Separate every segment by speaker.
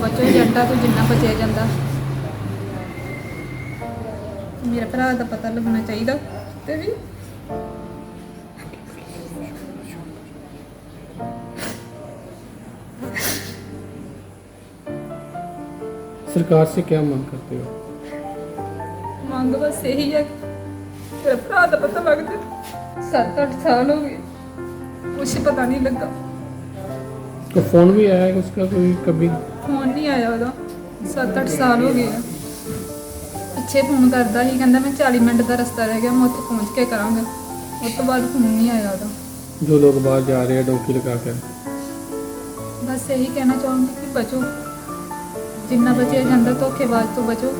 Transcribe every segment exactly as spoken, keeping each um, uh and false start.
Speaker 1: बचो एजेंटा तो जिन्ना बचया जाता। मेरे भरा का पता लगना चाहिए ते भी
Speaker 2: सरकार से क्या मांग करते हो?
Speaker 1: मांग बस यही है कि मेरे भरा का पता लग जाए। सत्त अठ साल हो गए, कुछ पता नहीं लगा।
Speaker 2: तो फोन भी आया है उसका कोई कभी?
Speaker 1: फोन नहीं आया ਉਹਦਾ। सत्त अठ साल हो गए। ਪਿੱਛੇ ਫੋਨ ਕਰਦਾ ਸੀ, ਕਹਿੰਦਾ ਮੈਂ ਚਾਲੀ ਮਿੰਟ ਦਾ ਰਸਤਾ ਰਹਿ ਗਿਆ, ਮੈਂ ਉੱਥੇ ਪਹੁੰਚ ਕੇ ਕਰਾਂਗਾ। ਉਸ ਤੋਂ ਬਾਅਦ ਫੋਨ ਨਹੀਂ ਆਇਆ ਉਹਦਾ।
Speaker 2: जो लोग बाहर जा रहे हैं डोंकी लगा कर,
Speaker 1: बस यही कहना चाहूँगी कि बचो, जिन्ना बचे जाता धोखेबाज तो बचो।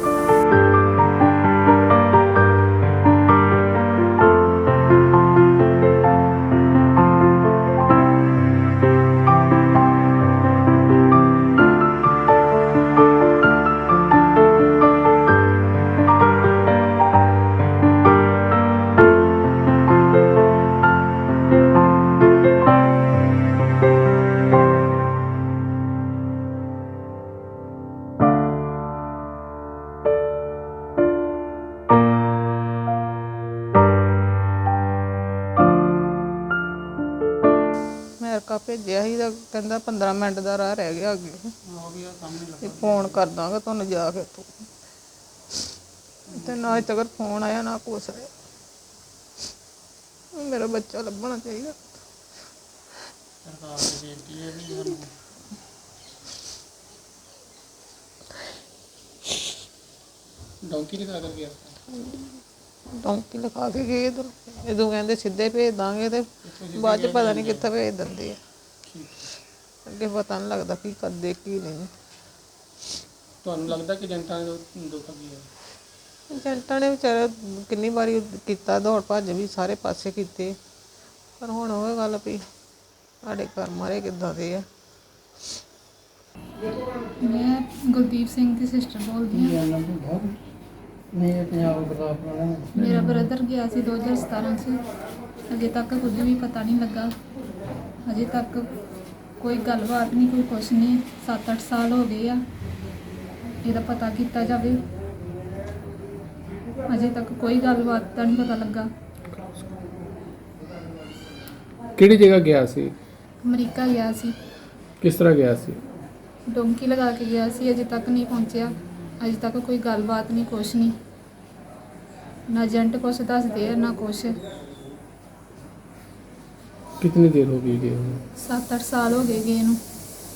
Speaker 3: ਅਮਰੀਕਾ ਭੇਜਿਆ ਸੀ ਤਾਂ ਕਹਿੰਦਾ ਪੰਦਰਾਂ ਮਿੰਟ ਦਾ ਰਾਹ ਰਹਿ ਗਿਆ ਅੱਗੇ ਤੇ ਫੋਨ ਕਰ ਦਾਂਗਾ ਤੁਹਾਨੂੰ ਜਾ ਕੇ ਤੂੰ ਤੇ ਨਾ ਅਜੇ ਤੱਕ ਫੋਨ ਆਇਆ ਨਾ ਕੁਛ ਆਇਆ। ਮੇਰਾ ਬੱਚਾ ਲੱਭਣਾ ਚਾਹੀਦਾ।
Speaker 2: सरकार से बेनती है भी हम डोंकी लगा कर गया
Speaker 3: ਡੌਂਕੀ ਲਿਖਾ ਕੇ ਗਏ ਇੱਧਰ, ਜਦੋਂ ਕਹਿੰਦੇ ਸਿੱਧੇ ਭੇਜ ਦਾਂਗੇ ਤੇ ਬਾਅਦ ਚ ਪਤਾ ਨਹੀਂ ਕਿੱਥੇ ਭੇਜ ਦਿੰਦੇ ਆ। ਅੱਗੇ ਪਤਾ ਨਹੀਂ ਲੱਗਦਾ ਕੀ ਕਰਦੇ ਕੀ ਨਹੀਂ।
Speaker 2: ਤੁਹਾਨੂੰ ਲੱਗਦਾ ਕਿ ਜਨਤਾ ਨੇ ਧੋਖਾ ਕੀਤਾ?
Speaker 3: ਏਜੰਟਾਂ ਨੇ ਵਿਚਾਰਾ ਕਿੰਨੀ ਵਾਰੀ ਕੀਤਾ, ਦੌੜ ਭੱਜ ਵੀ ਸਾਰੇ ਪਾਸੇ ਕੀਤੇ, ਪਰ ਹੁਣ ਉਹ ਗੱਲ ਵੀ ਸਾਡੇ ਘਰ ਮਾਰੇ ਕਿੱਦਾਂ ਦੇ ਆ।
Speaker 1: ਮੈਂ ਗੁਰਦੀਪ ਸਿੰਘ ਦੀ ਸਿਸਟਰ ਬੋਲਦੀ ਹਾਂ। ਮੇਰਾ ਬ੍ਰਦਰ ਗਿਆ ਸੀ ਦੋ ਹਜ਼ਾਰ ਸਤਾਰਾਂ 'ਚ, ਅਜੇ ਤੱਕ ਕੁਝ ਵੀ ਪਤਾ ਨਹੀਂ ਲੱਗਾ। ਅਜੇ ਤੱਕ ਕੋਈ ਗੱਲਬਾਤ ਨਹੀਂ, ਕੋਈ ਕੁਛ ਨਹੀਂ। ਸੱਤ ਅੱਠ ਸਾਲ ਹੋ ਗਏ ਆ, ਇਹਦਾ ਪਤਾ ਕੀਤਾ ਜਾਵੇ। ਅਜੇ ਤੱਕ ਕੋਈ ਗੱਲਬਾਤ ਦਾ ਨਹੀਂ ਪਤਾ ਲੱਗਾ।
Speaker 2: ਕਿਹੜੀ ਜਗ੍ਹਾ ਗਿਆ ਸੀ?
Speaker 1: ਅਮਰੀਕਾ ਗਿਆ ਸੀ,
Speaker 2: ਕਿਸ ਤਰ੍ਹਾਂ ਗਿਆ ਸੀ?
Speaker 1: ਡੋਂਕੀ ਲਗਾ ਕੇ ਗਿਆ ਸੀ। ਅਜੇ ਤੱਕ ਨਹੀਂ ਪਹੁੰਚਿਆ। ਅਜੇ ਤੱਕ ਕੋਈ ਗੱਲਬਾਤ ਨਹੀਂ, ਕੁਛ ਨਹੀਂ। ਨਾ ਏਜੰਟ ਕੁਛ ਦੱਸਦੇ ਆ ਨਾ ਕੁਛ।
Speaker 2: कितनी देर हो गई गए हुए?
Speaker 1: ਸੱਤ ਅੱਠ ਸਾਲ ਹੋ ਗਏ ਗਏ ਨੂੰ।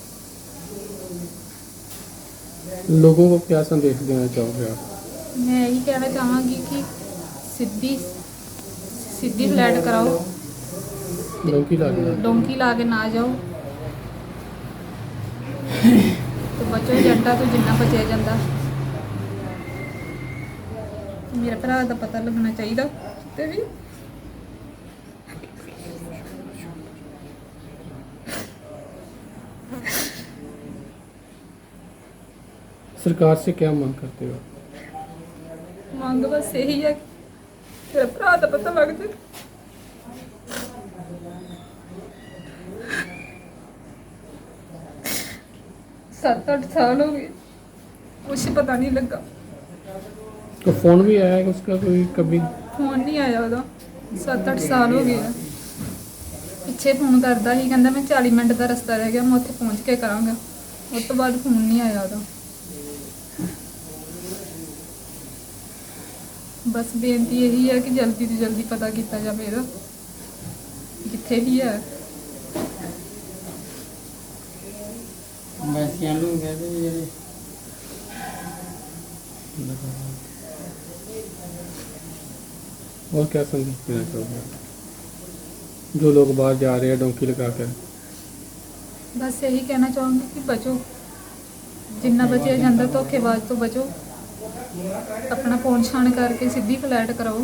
Speaker 2: लोगों को क्या संदेश देना चाहोगे आप?
Speaker 1: मैं यही कहना चाहांगी कि सीधी सीधी फ्लैट कराओ,
Speaker 2: डोंकी लगा
Speaker 1: डोंकी ला के ना जाओ तो बचो एजेंटा तो जिन्ना बचया जाता। मेरे भरा का पता लगना चाहिए ते भी
Speaker 2: सरकार से क्या मांग करते हो?
Speaker 1: मांग बस यही है कि मेरे भरा का पता लग जाए। सत्त अठ साल हो गए, कुछ पता नहीं लगा।
Speaker 2: तो फोन भी आया है उसका कोई कभी?
Speaker 1: फोन नहीं आया ਉਹਦਾ। ਸੱਤ ਅੱਠ ਸਾਲ ਹੋ ਗਏ ਆ। ਪਿੱਛੇ ਫੋਨ ਕਰਦਾ ਸੀ, ਕਹਿੰਦਾ ਮੈਂ ਚਾਲੀ ਮਿੰਟ ਦਾ ਰਸਤਾ ਰਹਿ ਗਿਆ, ਮੈਂ ਉੱਥੇ ਪਹੁੰਚ ਕੇ ਕਰਾਂਗਾ। ਉਸ ਤੋਂ ਬਾਅਦ ਫੋਨ ਨਹੀਂ ਆਇਆ ਉਹਦਾ। ਬਸ ਬੇਨਤੀ ਇਹੀ ਹੈ ਕਿ ਜਲਦੀ ਤੋਂ ਜਲਦੀ ਪਤਾ ਕੀਤਾ ਜਾਵੇ ਇਹਦਾ, ਜਿੱਥੇ ਵੀ ਹੈ।
Speaker 2: ਵੈਸੇ ਨੂੰ ਕਹਿੰਦੇ ਜਿਹੜੇ और क्या संदेश देना चाहोगे जो लोग बाहर जा रहे हैं डोंकी लगा कर?
Speaker 1: बस यही कहना चाहूँगी कि बचो, जिन्ना बचया जाता धोखेबाज तो बचो। अपना फोन छान करके सीधी फ्लैट कराओ,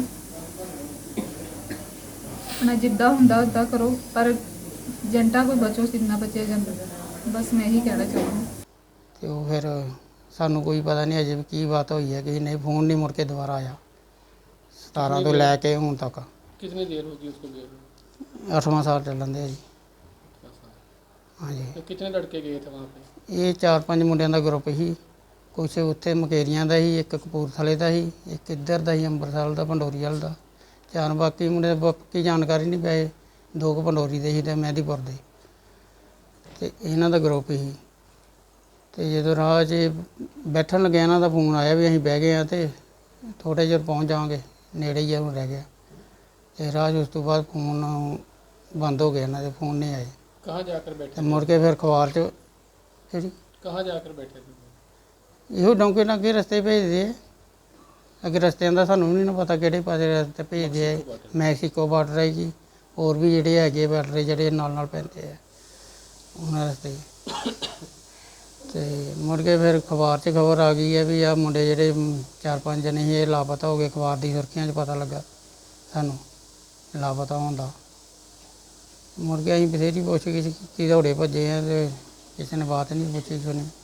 Speaker 1: अपना जिद्दा हुंदा उदा करो, पर ਏਜੰਟਾਂ कोई बचो जिन्ना बचया जाता। बस मैं यही कहना चाहूँगी।
Speaker 4: ਤੇ ਉਹ ਫਿਰ ਸਾਨੂੰ ਕੋਈ ਪਤਾ ਨਹੀਂ ਅਜੇ ਵੀ ਕੀ ਬਾਤ ਹੋਈ ਹੈ ਕਿ ਨਹੀਂ, ਫੋਨ ਨਹੀਂ ਮੁੜ ਕੇ ਦੁਬਾਰਾ ਆਇਆ ਸਤਾਰਾਂ ਤੋਂ ਲੈ ਕੇ ਹੁਣ ਤੱਕ।
Speaker 2: कितनी देर होगी उसको गए हुए?
Speaker 4: ਅੱਠਵਾਂ ਸਾਲ ਚੱਲਣ ਦੇ ਜੀ। ਹਾਂਜੀ
Speaker 2: तो कितने लड़के गए थे वहाँ पे?
Speaker 4: ਇਹ ਚਾਰ ਪੰਜ ਮੁੰਡਿਆਂ ਦਾ ਗਰੁੱਪ ਸੀ। ਕੁਛ ਉੱਥੇ ਮਕੇਰੀਆਂ ਦਾ ਸੀ, ਇੱਕ ਕਪੂਰਥਲੇ ਦਾ ਸੀ, ਇੱਕ ਇੱਧਰ ਦਾ ਸੀ ਅੰਮ੍ਰਿਤਸਰ ਦਾ, ਪੰਡੋਰੀ ਵਾਲ ਦਾ। ਚਾਰ ਬਾਕੀ ਮੁੰਡੇ ਦਾ ਪੱਕੀ ਜਾਣਕਾਰੀ ਨਹੀਂ ਪਏ। ਦੋ ਕੁ ਪੰਡੋਰੀ ਦੇ ਸੀ ਤੇ ਮਹਿਦੀਪੁਰ ਦੇ, ਤੇ ਇਹਨਾਂ ਦਾ ਗਰੁੱਪ ਸੀ। ਤੇ ਜਦੋਂ ਰਾਹ 'ਚ ਬੈਠਣ ਲੱਗਿਆ ਇਹਨਾਂ ਦਾ ਫੋਨ ਆਇਆ ਵੀ ਅਸੀਂ ਬਹਿ ਗਏ ਹਾਂ ਤੇ ਥੋੜ੍ਹੇ ਚਿਰ ਪਹੁੰਚ ਜਾਵਾਂਗੇ, ਨੇੜੇ ਹੀ ਆ ਹੁਣ ਰਹਿ ਗਿਆ। ਤੇ ਰਾਹ 'ਚ ਉਸ ਤੋਂ ਬਾਅਦ ਫੋਨ ਬੰਦ ਹੋ ਗਿਆ, ਇਹਨਾਂ ਦੇ ਫੋਨ ਨਹੀਂ ਆਏ।
Speaker 2: कहाँ जाकर बैठे
Speaker 4: ਤੇ
Speaker 2: थे?
Speaker 4: ਮੁੜ ਕੇ ਫਿਰ ਅਖਬਾਰ 'ਚ ਜਿਹੜੀ
Speaker 2: कहाँ जाकर बैठे थे?
Speaker 4: ਇਹੋ ਡੌਂਕੇ ਨਾਲ ਅੱਗੇ ਰਸਤੇ ਭੇਜਦੇ ਆ। ਅੱਗੇ ਰਸਤਿਆਂ ਦਾ ਸਾਨੂੰ ਵੀ ਨਹੀਂ ਨਾ ਪਤਾ ਕਿਹੜੇ ਪਾਸੇ ਰਸਤੇ ਭੇਜਦੇ ਆ। ਮੈਕਸੀਕੋ ਬਾਰਡਰ ਹੈ ਜੀ, ਹੋਰ ਵੀ ਜਿਹੜੇ ਹੈਗੇ ਬਾਰਡਰ ਜਿਹੜੇ ਨਾਲ ਨਾਲ ਪੈਂਦੇ ਆ ਉਹਨਾਂ ਰਸਤੇ। ਤੇ ਮੁੜ ਕੇ ਫਿਰ ਅਖਬਾਰ 'ਚ ਖਬਰ ਆ ਗਈ ਹੈ ਵੀ ਆਹ ਮੁੰਡੇ ਜਿਹੜੇ ਮ, ਚਾਰ ਪੰਜ ਜਣੇ ਸੀ ਇਹ ਲਾਪਤਾ ਹੋ ਗਏ। ਅਖਬਾਰ ਦੀ ਸੁਰਖੀਆਂ 'ਚ ਪਤਾ ਲੱਗਾ ਸਾਨੂੰ ਲਾਪਤਾ ਹੋਣ ਦਾ। ਮੁੜ ਕੇ ਅਸੀਂ ਬਥੇਰੀ ਪੁੱਛ ਗਿੱਛ ਕੀਤੀ, ਦੌੜੇ ਭੱਜੇ ਆ ਤੇ ਕਿਸੇ ਨੇ ਬਾਤ ਨਹੀਂ ਪੁੱਛੀ ਸੁਣੀ।